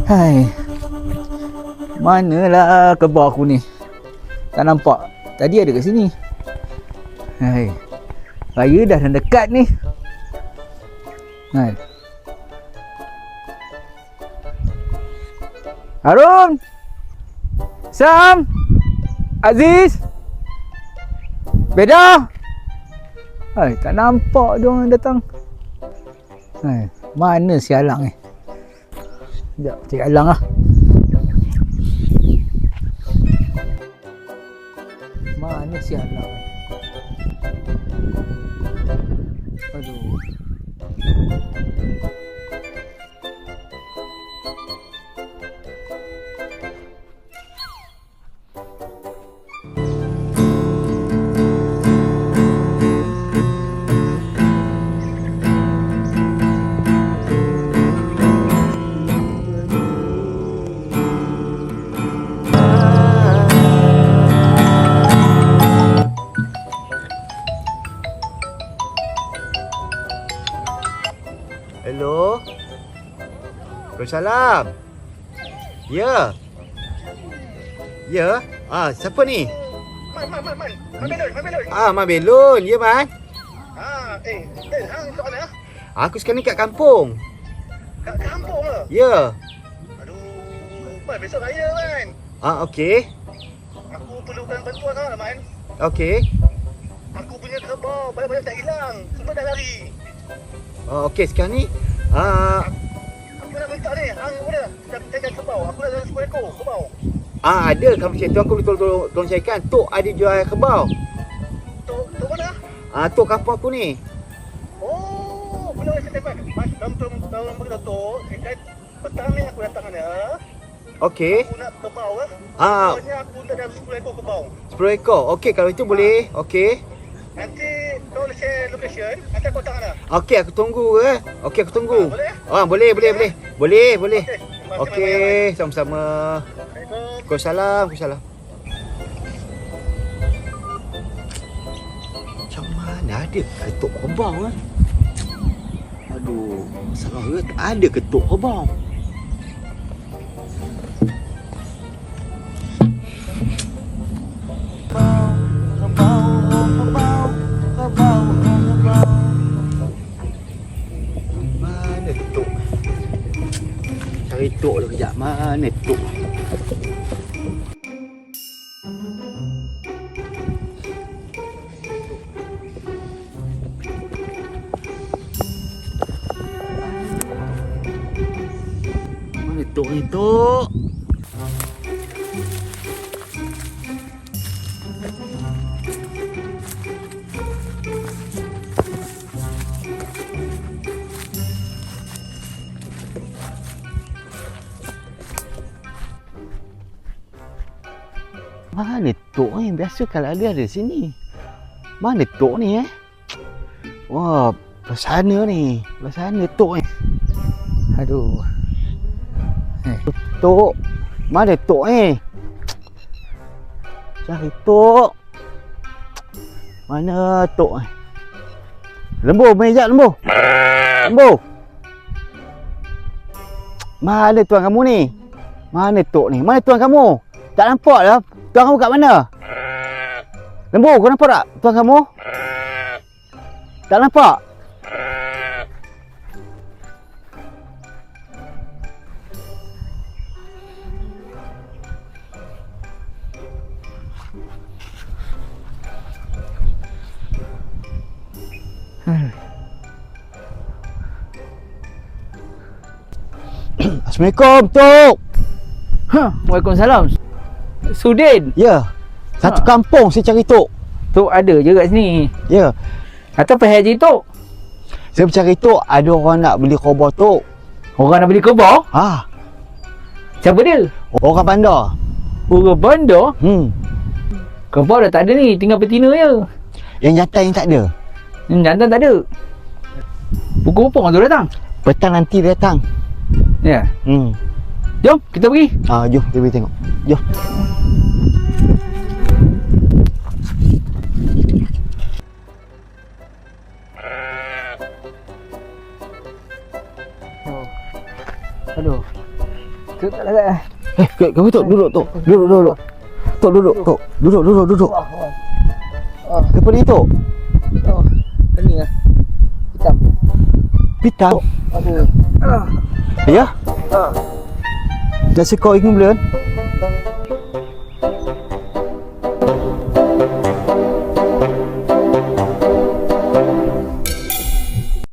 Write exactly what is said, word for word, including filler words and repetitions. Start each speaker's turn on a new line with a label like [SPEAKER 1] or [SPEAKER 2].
[SPEAKER 1] Hai. Manalah kebab aku ni? Tak nampak. Tadi ada kat sini. Hai. Raya dah dekat ni. Hai. Harun. Sam. Aziz. Beda. Hai, tak nampak dia orang datang. Hai, mana si Alang ni? Sekejap, cari Alang lah. Mana si Alang? Aduh.
[SPEAKER 2] Hello. Waalaikumsalam. Ya. Ya. Ah, siapa ni?
[SPEAKER 3] Man, man, man, man. Man Belon, Man Belon.
[SPEAKER 2] Ah, Man Belon. Ya, Man.
[SPEAKER 3] Ah, eh, eh, hang kat mana?
[SPEAKER 2] Aku sekarang ni kat kampung.
[SPEAKER 3] Kat kampung ke?
[SPEAKER 2] Ya.
[SPEAKER 3] Aduh, Man, besok raya, Man.
[SPEAKER 2] Ah, okey.
[SPEAKER 3] Aku perlukan bantuan lah, Man.
[SPEAKER 2] Okey.
[SPEAKER 3] Aku punya kerbau banyak-banyak tak hilang. Semua dah lari.
[SPEAKER 2] Oh, okey sekarang ni. Ah,
[SPEAKER 3] Aku nak minta ni, hang boleh tak jaga kerbau? Aku nak jaga sepuluh ekor kerbau.
[SPEAKER 2] ah ada kalau macam tu aku boleh tolong tolong, tolong carikan. Tok ada jual kerbau.
[SPEAKER 3] Tok, tok mana?
[SPEAKER 2] Ah, tok kampung aku ni.
[SPEAKER 3] Oh, boleh saya dapat. Mas, dalam tu dalam berita tok, dekat petang ni aku datang sana.
[SPEAKER 2] Okey.
[SPEAKER 3] Aku nak kerbau lah.
[SPEAKER 2] Ah,
[SPEAKER 3] Pokoknya aku nak dalam sepuluh ekor kerbau.
[SPEAKER 2] sepuluh ekor. Okey kalau itu boleh. Okey.
[SPEAKER 3] Nanti kau share location, nanti aku datang sana.
[SPEAKER 2] Okey aku tunggu eh. Okey aku tunggu.
[SPEAKER 3] Ah, boleh?
[SPEAKER 2] Ah, boleh boleh boleh. Boleh boleh.
[SPEAKER 3] Okey, terima kasih
[SPEAKER 2] Okey,
[SPEAKER 3] banyak,
[SPEAKER 2] sama-sama.
[SPEAKER 3] Assalamualaikum.
[SPEAKER 2] Waalaikumsalam, waalaikumsalam. Macam mana ada ketuk kerbau eh? Aduh, salah ke ada ketuk kerbau. Mana ketuk? Cari tok dulu kejap. Mana tok? Mana tok ni tok? Mana tok ni? Biasa kalau ada ada sini. Mana tok ni eh? Wah, belah sana ni. Belah sana tok ni.
[SPEAKER 1] Aduh. Eh,
[SPEAKER 2] Tok. Mana tok ni? Cari tok. Mana tok ni? Lembu, main sekejap lembu. Lembu. Mana tuan kamu ni? Mana tok ni? Mana tuan kamu? Tak nampak lah. Tuan kamu kat mana? Lembu, kau nampak tak tuan kamu? Tak nampak? Assalamualaikum, Tok.
[SPEAKER 1] Ha, Waalaikumsalam. Sudin.
[SPEAKER 2] Ya. Satu
[SPEAKER 1] Ha.
[SPEAKER 2] kampung saya cari Tok.
[SPEAKER 1] Tok ada je kat sini.
[SPEAKER 2] Ya.
[SPEAKER 1] Atau pergi haji Tok.
[SPEAKER 2] Saya bercakap Tok, ada orang nak beli kerbau Tok.
[SPEAKER 1] Orang nak beli kerbau?
[SPEAKER 2] Ha.
[SPEAKER 1] Siapa dia?
[SPEAKER 2] Orang bandar.
[SPEAKER 1] Orang bandar?
[SPEAKER 2] Hmm.
[SPEAKER 1] Kerbau dah tak ada ni, tinggal betina je.
[SPEAKER 2] Yang jantan yang tak ada.
[SPEAKER 1] Hmm, jantan tak ada. Pukul berapa orang tu datang?
[SPEAKER 2] Petang nanti dia datang.
[SPEAKER 1] Ya.
[SPEAKER 2] Hmm.
[SPEAKER 1] Jom, kita pergi.
[SPEAKER 2] Ah, jom kita pergi tengok. Jom.
[SPEAKER 1] Oh. Aduh. Tu tak ada.
[SPEAKER 2] Eh, kamu Tok, duduk Tok. Duduk, duduk. Tok, duduk, Tok. Duduk, duduk, duduk.
[SPEAKER 1] Oh,
[SPEAKER 2] Apa ni Tok?
[SPEAKER 1] oh. Pening ah. Hitam.
[SPEAKER 2] Pitam.
[SPEAKER 1] Aduh. Ah.
[SPEAKER 2] Ya?
[SPEAKER 1] Ah.
[SPEAKER 2] Dah sekor ikan belum?